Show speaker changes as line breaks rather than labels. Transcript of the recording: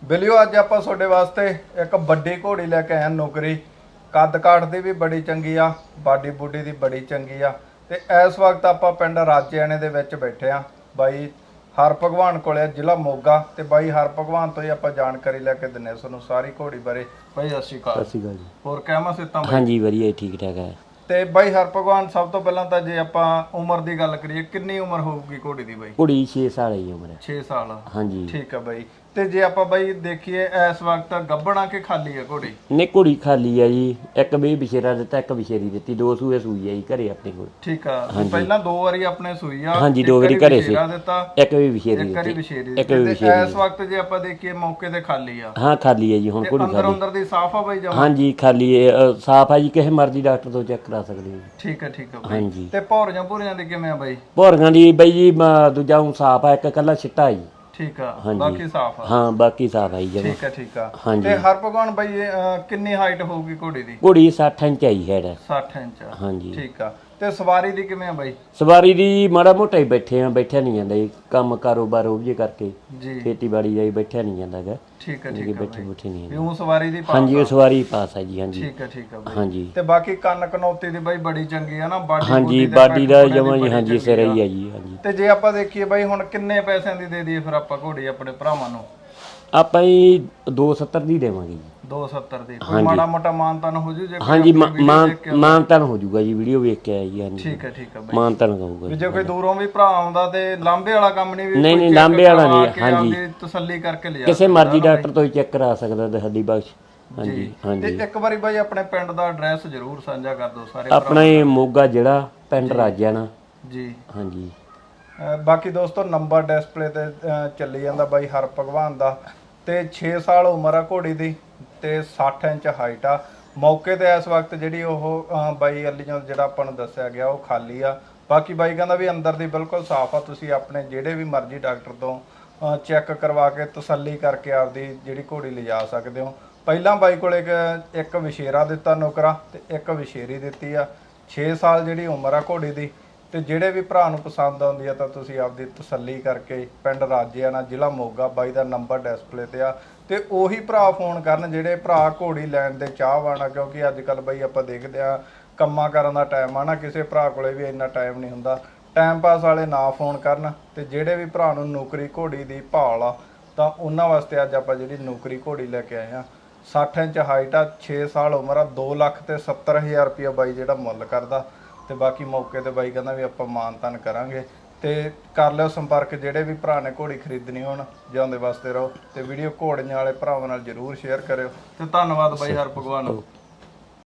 ਬਿਲਿਓ ਅੱਜ ਆਪਾਂ ਤੁਹਾਡੇ ਵਾਸਤੇ ਇੱਕ ਵੱਡੀ ਘੋੜੀ ਲੈ ਕੇ ਆਏ ਹਾਂ ਨੌਕਰੀ। ਕੱਦ ਕਾਠ ਦੀ ਵੀ ਬੜੀ ਚੰਗੀ ਆ, ਬਾਡੀ ਬੂਡੀ ਦੀ ਬੜੀ ਚੰਗੀ ਆ। ਤੇ ਇਸ ਵਕਤ ਆਪਾਂ ਪਿੰਡ ਰਾਜੇਆਣੇ ਦੇ ਵਿੱਚ ਬੈਠੇ ਆ। ਬਾਈ ਹਰ ਭਗਵਾਨ ਕੋਲੇ ਜ਼ਿਲ੍ਹਾ ਮੋਗਾ ਤੇ ਬਾਈ ਹਰ ਭਗਵਾਨ ਤੋਂ ਹੀ ਆਪਾਂ ਜਾਣਕਾਰੀ ਲੈ ਕੇ ਦਿੰਨੇ ਤੁਹਾਨੂੰ ਸਾਰੀ ਘੋੜੀ ਬਾਰੇ। ਬਾਈ ਸਤਿ ਸ਼੍ਰੀ ਅਕਾਲ।
ਸਤਿ ਸ਼੍ਰੀ ਅਕਾਲ ਜੀ।
ਹੋਰ ਕਹਿਮਾ ਸਿੱਤਾਂ ਬਾਈ?
ਹਾਂਜੀ ਵਧੀਆ ਠੀਕ ਠਾਕ ਹੈ।
ਤੇ ਬਾਈ ਹਰ ਭਗਵਾਨ ਸਭ ਤੋਂ ਪਹਿਲਾਂ ਤਾਂ ਜੇ ਆਪਾਂ ਉਮਰ ਦੀ ਗੱਲ ਕਰੀਏ, ਕਿੰਨੀ ਉਮਰ ਹੋਊਗੀ ਘੋੜੀ ਦੀ ਬਾਈ?
ਕੁੜੀ 6 ਸਾਲ ਦੀ ਉਮਰ ਹੈ।
6 ਸਾਲ।
ਹਾਂਜੀ
ਠੀਕ ਆ ਬਾਈ। ਤੇ ਜੇ ਆਪਾਂ ਬਾਈ ਦੇਖੀਏ ਇਸ ਵਕਤ ਗੱਭਣਾ ਕਿ ਖਾਲੀ ਆ ਘੋੜੀ?
ਨੇ ਕੁੜੀ ਖਾਲੀ ਆ ਜੀ। ਇੱਕ ਵੀ ਵਿਸ਼ੇਰਾ ਦਿੱਤਾ, ਇੱਕ ਵਿਸ਼ੇਰੀ ਦਿੱਤੀ, 2 ਸੂਏ ਸੂਈ ਆ ਜੀ ਘਰੇ ਆਪਣੇ ਕੋਲ।
ਠੀਕ ਆ। ਪਹਿਲਾਂ 2 ਵਾਰੀ ਆਪਣੇ ਸੂਈ ਆ।
ਹਾਂਜੀ 2 ਵਾਰੀ ਘਰੇ ਸੀ।
ਦਿੱਤਾ,
ਇੱਕ ਵੀ ਵਿਸ਼ੇਰੀ
ਇੱਕ ਵਾਰੀ
ਦਿੱਤੀ,
ਵਿਸ਼ੇਰੀ
ਇੱਕ ਵੀ
ਦਿੱਤੀ।
ਵਿਸ਼ੇਰੀ।
ਇਸ ਵਕਤ ਜੇ ਆਪਾਂ ਦੇਖੀਏ ਮੌਕੇ ਤੇ ਖਾਲੀ ਆ।
ਹਾਂ ਖਾਲੀ ਹੈ ਜੀ ਹੁਣ ਕੁੜੀ
ਅੰਦਰ
ਖਾਲੀ।
ਅੰਦਰ ਦੀ ਸਾਫ ਆ ਬਾਈ ਜਮਾ?
ਹਾਂਜੀ ਖਾਲੀ ਹੈ, ਸਾਫ ਆ ਜੀ। ਕਿਸੇ ਮਰਜ਼ੀ ਡਾਕਟਰ ਤੋਂ ਚੈੱਕ ਕਰਾ ਸਕਦੇ ਹੋ।
ਠੀਕ ਆ ਠੀਕ ਆ ਬਾਈ।
ਹਾਂਜੀ
ਤੇ ਭੌਰੀਆਂ ਭੂਰੀਆਂ ਦੀ ਕਿਵੇਂ ਆ ਬਾਈ?
ਭੋਰਗਾਂ ਦੀ ਬਾਈ ਜੀ ਦੂਜਾ ਹੁਣ ਸਾਫ ਆ, ਇੱਕ ਕੱਲਾ ਛਿੱਟਾ ਜੀ।
ਠੀਕ ਆ, ਬਾਕੀ ਸਾਫ ਆ।
ਹਾਂ ਬਾਕੀ ਸਾਫ ਆ ਜੀ ਜਮਾ।
ਠੀਕ ਆ ਠੀਕ ਆ।
ਹਾਂਜੀ।
ਤੇ ਹਰ ਭਗਵਾਨ ਬਾਈ ਕਿੰਨੀ ਹਾਈਟ ਹੋਊਗੀ ਘੋੜੀ ਦੀ?
ਕੁੜੀ 60 ਇੰਚ ਆਈ ਹੈ।
60 ਇੰਚ।
ਹਾਂਜੀ
ਠੀਕ ਆ। ਤੇ ਸਵਾਰੀ ਦੀ ਕਿਵੇਂ ਆ ਬਾਈ?
ਸਵਾਰੀ ਦੀ ਮਾੜਾ ਮੋਟਾ ਹੀ ਬੈਠਿਆ ਨਹੀਂ ਜਾਂਦਾ ਜੀ। ਕੰਮ ਕਾਰੋਬਾਰ ਉਹ ਜੇ ਕਰਕੇ
ਜੀ
ਖੇਤੀਬਾੜੀ ਦਾ ਹੀ ਬੈਠਿਆ ਨਹੀਂ ਜਾਂਦਾ ਹੈਗਾ।
ਠੀਕ ਆ
ਜੀ
ਠੀਕ ਆ
ਬੈਠੇ
ਬਾਈ।
ਬੁੱਠੇ ਨਹੀਂ
ਵੀ ਉਹ ਸਵਾਰੀ ਦੀ ਪਾਸ
ਹਾਂਜੀ
ਆ।
ਉਹ ਸਵਾਰੀ ਪਾਸ ਆ ਜੀ। ਹਾਂਜੀ
ਠੀਕ ਆ ਠੀਕ ਆ ਬਾਈ।
ਹਾਂਜੀ
ਤੇ ਬਾਕੀ ਕੰਨ ਕਨੌਤੀ ਦੀ ਬਾਈ ਬੜੀ ਚੰਗੀ ਆ ਨਾ? ਬਾਡੀ
ਹਾਂਜੀ
ਤੇ
ਬਾਡੀ ਦਾ
ਪੱਟ
ਜਮਾਂ ਜੀ।
ਬੜੀ
ਹਾਂਜੀ
ਚੰਗੀ
ਸਿਰ
ਆ।
ਹੀ ਆ ਜੀ। ਹਾਂਜੀ
ਤੇ ਜੇ ਆਪਾਂ ਦੇਖੀਏ ਬਾਈ ਹੁਣ ਕਿੰਨੇ ਪੈਸਿਆਂ ਦੀ ਦੇ ਦਈਏ ਫਿਰ ਆਪਾਂ ਘੋੜੀ ਆਪਣੇ ਭਰਾਵਾਂ ਨੂੰ?
ਆਪਾਂ ਹੀ 270 ਦੀ ਦੇਵਾਂਗੇ ਜੀ।
270 ਦੀ। ਕੋਈ ਮਾੜਾ ਮੋਟਾ ਮਾਨਤਾਨ ਹੋ ਜੂ ਜੇ ਕੋਈ
ਹਾਂਜੀ
ਆਪਣੀ ਵੀਡੀਓ ਦੇਖ ਕੇ?
ਮਾਨਤਨ ਹੋ ਜਾਊਗਾ ਜੀ। ਵੀਡੀਓ ਵੇਖ ਕੇ ਆਇਆ ਜੀ। ਹਾਂਜੀ
ਠੀਕ ਆ ਬਾਈ।
ਮਾਨਤਨ ਕਹੂਗਾ
ਵੀ ਜੇ ਕੋਈ ਦੂਰੋਂ ਵੀ ਭਰਾ ਆਉਂਦਾ ਤੇ ਲਾਂਬੇ ਵਾਲਾ ਕੰਮ ਨਹੀਂ? ਵੀ
ਨਹੀਂ ਲਾਂਬੇ ਵਾਲਾ ਨਹੀਂ। ਹਾਂਜੀ
ਤਸੱਲੀ ਕਰਕੇ ਲਿਆ
ਕਿਸੇ ਮਰਜ਼ੀ ਡਾਕਟਰ ਤੋਂ ਹੀ ਚੈੱਕ ਕਰਾ ਸਕਦਾ ਤੁਹਾਡੀ ਬਖਸ਼। ਹਾਂਜੀ ਹਾਂਜੀ।
ਤੇ ਇੱਕ ਵਾਰੀ ਬਾਈ ਆਪਣੇ ਪਿੰਡ ਦਾ ਐਡਰੈਸ ਜ਼ਰੂਰ ਸਾਂਝਾ ਕਰ ਦਿਓ ਸਾਰੇ
ਆਪਣਾ ਹੀ ਮੋਗਾ ਜਿਹੜਾ ਪਿੰਡ ਰਾਜਿਆਣਾ
ਜੀ।
ਹਾਂਜੀ।
ਬਾਕੀ ਦੋਸਤੋ ਨੰਬਰ ਡਿਸਪਲੇ ਤੇ ਚੱਲੀ ਜਾਂਦਾ ਬਾਈ ਹਰ ਭਗਵਾਨ ਦਾ। ਤੇ 6 ਸਾਲ ਉਮਰ ਆ ਘੋੜੀ ਦੀ ਤੇ 60 ਇੰਚ ਹਾਈਟ ਆ। ਮੌਕੇ ਤੇ ਇਸ ਵਕਤ ਜਿਹੜੀ ਉਹ ਬਾਈ ਅਲੀਆਂ ਜਿਹੜਾ ਆਪਾਂ ਨੂੰ ਦੱਸਿਆ ਗਿਆ ਉਹ ਖਾਲੀ ਆ। ਬਾਕੀ ਬਾਈ ਕਹਿੰਦਾ ਵੀ ਅੰਦਰ ਦੀ ਬਿਲਕੁਲ ਸਾਫ਼ ਆ। ਤੁਸੀਂ ਆਪਣੇ ਜਿਹੜੇ ਵੀ ਮਰਜ਼ੀ ਡਾਕਟਰ ਤੋਂ ਚੈੱਕ ਕਰਵਾ ਕੇ ਤਸੱਲੀ ਕਰਕੇ ਆਪਦੀ ਜਿਹੜੀ ਘੋੜੀ ਲਿਜਾ ਸਕਦੇ ਹੋ। ਪਹਿਲਾਂ ਬਾਈ ਕੋਲੇ ਇੱਕ ਵਿਸ਼ੇਰਾ ਦਿੱਤਾ ਨੌਕਰਾ ਤੇ ਇੱਕ ਵਿਸ਼ੇਰੀ ਦਿੱਤੀ ਆ। 6 ਸਾਲ ਜਿਹੜੀ ਉਮਰ ਆ ਘੋੜੀ ਦੀ। ਤੇ ਜਿਹੜੇ ਵੀ ਭਰਾ ਨੂੰ ਪਸੰਦ ਆਉਂਦੀ ਆ ਤਾਂ ਤੁਸੀਂ ਆਪਦੀ ਤਸੱਲੀ ਕਰਕੇ ਪਿੰਡ ਰਾਜੇਆਣਾ ਜ਼ਿਲ੍ਹਾ ਮੋਗਾ। ਬਾਈ ਦਾ ਨੰਬਰ ਡਿਸਪਲੇ ਤੇ ਆ। ਤੇ ਉਹੀ ਭਰਾ ਫੋਨ ਕਰਨ ਜਿਹੜੇ ਭਰਾ ਘੋੜੀ ਲੈਣ ਦੇ ਚਾਹਵਾਨ ਆ। ਕਿਉਂਕਿ ਅੱਜ ਕੱਲ ਬਾਈ ਆਪਾਂ ਦੇਖਦੇ ਆ ਕੰਮਾਂ ਕਰਨ ਦਾ ਟਾਈਮ ਆ ਨਾ, ਕਿਸੇ ਭਰਾ ਕੋਲੇ ਵੀ ਇੰਨਾ ਟਾਈਮ ਨਹੀਂ ਹੁੰਦਾ। ਟਾਈਮ ਪਾਸ ਵਾਲੇ ਨਾ ਫੋਨ ਕਰਨ। ਤੇ ਜਿਹੜੇ ਵੀ ਭਰਾ ਨੂੰ ਨੌਕਰੀ ਘੋੜੀ ਦੀ ਭਾਲ ਆ ਤਾਂ ਉਹਨਾਂ ਵਾਸਤੇ ਅੱਜ ਆਪਾਂ ਜਿਹੜੀ ਨੌਕਰੀ ਘੋੜੀ ਲੈ ਕੇ ਆਏ ਆ। 60 ਇੰਚ ਹਾਈਟ ਆ, 6 ਸਾਲ ਉਮਰ ਆ, 2,70,000 ਰੁਪਇਆ ਬਾਈ ਜਿਹੜਾ ਮੁੱਲ ਕਰਦਾ। ਤੇ ਬਾਕੀ ਮੌਕੇ ਤੇ ਬਾਈ ਕਹਿੰਦਾ ਵੀ ਆਪਾਂ ਮਾਨਤਾਨ ਕਰਾਂਗੇ। ਤੇ ਕਰ ਲਿਓ ਸੰਪਰਕ ਜਿਹੜੇ ਵੀ ਭਰਾ ਨੇ ਘੋੜੀ ਖਰੀਦਣੀ ਹੋਣ। ਜਿਉਂਦੇ ਵਾਸਤੇ ਰਹੋ। ਤੇ ਵੀਡੀਓ ਘੋੜੀਆਂ ਵਾਲੇ ਭਰਾਵਾਂ ਨਾਲ ਜ਼ਰੂਰ ਸ਼ੇਅਰ ਕਰਿਓ। ਤੇ ਧੰਨਵਾਦ ਬਾਈ ਹਰ ਭਗਵਾਨ।